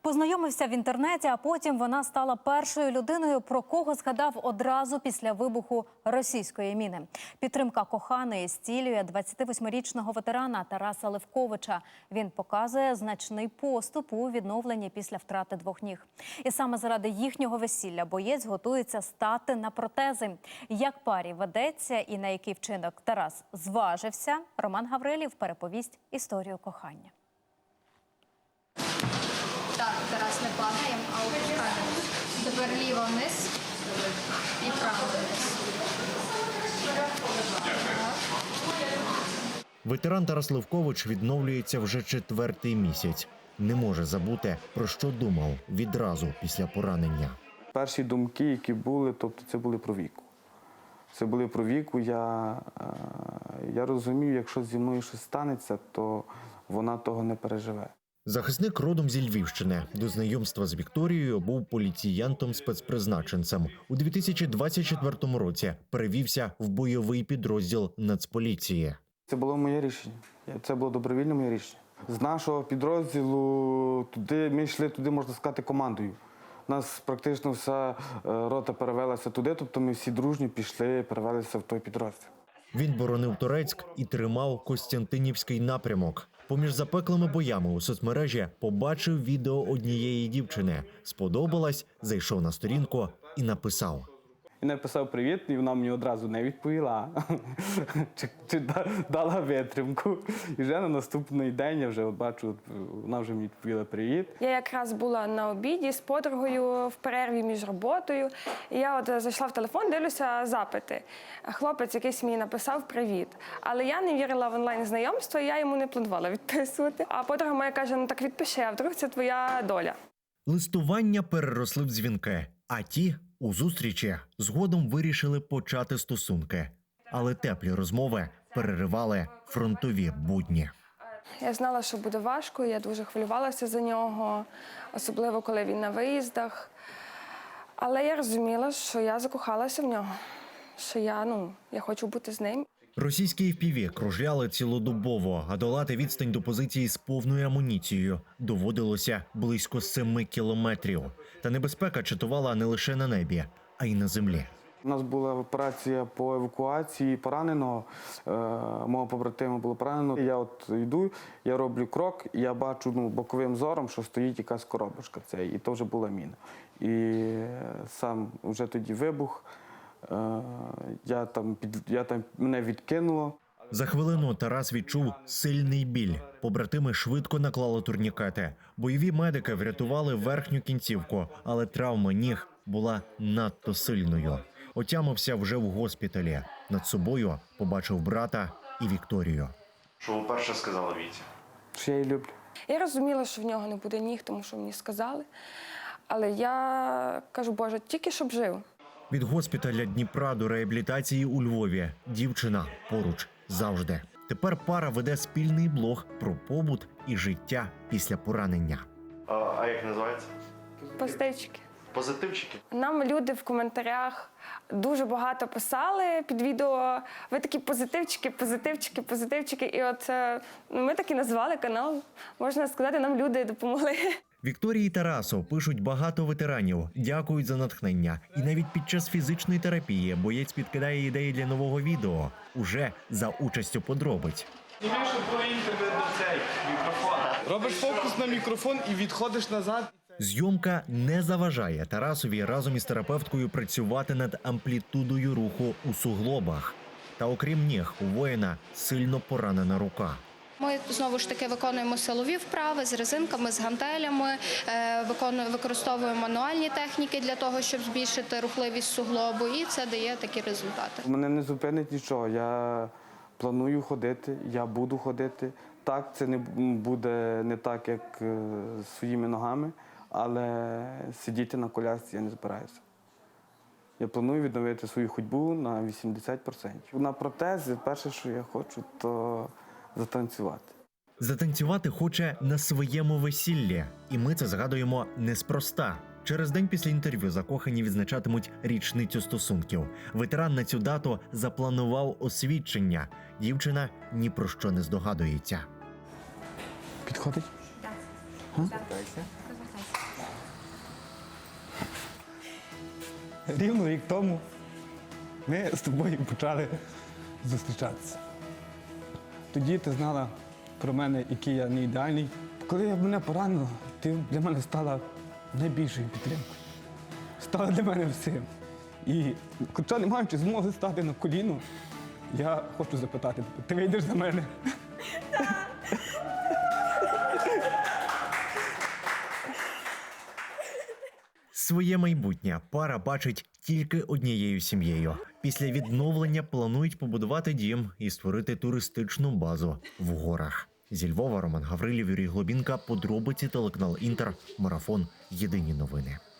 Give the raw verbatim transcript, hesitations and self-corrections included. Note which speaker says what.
Speaker 1: Познайомився в інтернеті, а потім вона стала першою людиною, про кого згадав одразу після вибуху російської міни. Підтримка коханої зцілює двадцятивосьмирічного ветерана Тараса Левковича. Він показує значний поступ у відновленні після втрати двох ніг. І саме заради їхнього весілля боєць готується стати на протези. Як парі ведеться і на який вчинок Тарас зважився, Роман Гаврилів переповість історію кохання.
Speaker 2: Так, Тарас, не падаємо, а опускаємо. Тепер ліво вниз і право вниз.
Speaker 3: Ветеран Тарас Левкович відновлюється вже четвертий місяць. Не може забути, про що думав відразу після поранення.
Speaker 4: Перші думки, які були, тобто це були про Віку. Це були про Віку. Я, я розумів, якщо зі мною щось станеться, то вона того не переживе.
Speaker 3: Захисник родом зі Львівщини. До знайомства з Вікторією був поліціянтом-спецпризначенцем. У дві тисячі двадцять четвертому році перевівся в бойовий підрозділ Нацполіції.
Speaker 4: Це було моє рішення. Це було добровільне моє рішення. З нашого підрозділу туди, ми йшли туди, можна сказати, командою. У нас практично вся рота перевелася туди, тобто ми всі дружні пішли, перевелися в той підрозділ.
Speaker 3: Він боронив Торецьк і тримав Костянтинівський напрямок. Поміж запеклими боями у соцмережі побачив відео однієї дівчини. Сподобалась, зайшов на сторінку і написав.
Speaker 4: І написав привіт, і вона мені одразу не відповіла, чи, чи дала витримку. І вже на наступний день я вже бачу, вона вже мені відповіла привіт.
Speaker 5: Я якраз була на обіді з подругою в перерві між роботою. І я от зайшла в телефон, дивлюся запити. Хлопець якийсь мені написав привіт. Але я не вірила в онлайн-знайомство, і я йому не планувала відписувати. А подруга моя каже, ну так відпиши, а вдруг це твоя доля.
Speaker 3: Листування переросли в дзвінки, а ті у зустрічі згодом вирішили почати стосунки. Але теплі розмови переривали фронтові будні.
Speaker 5: Я знала, що буде важко, я дуже хвилювалася за нього, особливо коли він на виїздах. Але я розуміла, що я закохалася в нього, що я, ну, я хочу бути з ним.
Speaker 3: Російські еф пі ві кружляли цілодобово, а долати відстань до позиції з повною амуніцією доводилося близько семи кілометрів. Та небезпека чатувала не лише на небі, а й на землі.
Speaker 4: У нас була операція по евакуації пораненого, е, мого побратима було поранено. Я от йду, я роблю крок, і я бачу ну, боковим зором, що стоїть якась коробочка, це, і то вже була міна. І сам вже тоді вибух, е, я там, під, я там, мене відкинуло.
Speaker 3: За хвилину Тарас відчув сильний біль. Побратими швидко наклали турнікети. Бойові медики врятували верхню кінцівку, але травма ніг була надто сильною. Отямився вже в госпіталі. Над собою побачив брата і Вікторію.
Speaker 6: Що ви перше сказали Віці?
Speaker 4: Що я її люблю.
Speaker 5: Я розуміла, що в нього не буде ніг, тому що мені сказали. Але я кажу, Боже, тільки щоб жив.
Speaker 3: Від госпіталя Дніпра до реабілітації у Львові дівчина поруч завжди. Тепер пара веде спільний блог про побут і життя після поранення.
Speaker 6: А, а як називається?
Speaker 5: Позитивчики.
Speaker 6: Позитивчики?
Speaker 5: Нам люди в коментарях дуже багато писали під відео. Ви такі позитивчики, позитивчики, позитивчики. І от ми так і назвали канал. Можна сказати, нам люди допомогли.
Speaker 3: Вікторії і Тарасу пишуть багато ветеранів, дякують за натхнення. І навіть під час фізичної терапії боєць підкидає ідеї для нового відео, уже за участю подробиць.
Speaker 4: Робиш фокус на мікрофон і відходиш назад.
Speaker 3: Зйомка не заважає Тарасові разом із терапевткою працювати над амплітудою руху у суглобах. Та окрім ніг, у воїна сильно поранена рука.
Speaker 2: Ми, знову ж таки, виконуємо силові вправи з резинками, з гантелями, використовуємо мануальні техніки для того, щоб збільшити рухливість суглобу, і це дає такі результати.
Speaker 4: Мене не зупинить нічого, я планую ходити, я буду ходити. Так, це не буде не так, як своїми ногами, але сидіти на колясці я не збираюся. Я планую відновити свою ходьбу на вісімдесят відсотків. На протези перше, що я хочу, то затанцювати.
Speaker 3: Затанцювати хоче на своєму весіллі. І ми це згадуємо неспроста. Через день після інтерв'ю закохані відзначатимуть річницю стосунків. Ветеран на цю дату запланував освідчення. Дівчина ні про що не здогадується.
Speaker 4: Підходить?
Speaker 2: Так. Так.
Speaker 7: рівно рік тому ми з тобою почали зустрічатися. Тоді ти знала про мене, який я не ідеальний. Коли мене поранило, ти для мене стала найбільшою підтримкою. Стала для мене всім. І хоча не маючи змоги стати на коліно, я хочу запитати, ти вийдеш за мене?
Speaker 3: Своє майбутнє пара бачить тільки однією сім'єю. Після відновлення планують побудувати дім і створити туристичну базу в горах. Зі Львова Роман Гаврилів, Юрій Глобінка, подробиці, телеканал Інтер, Марафон, Єдині новини.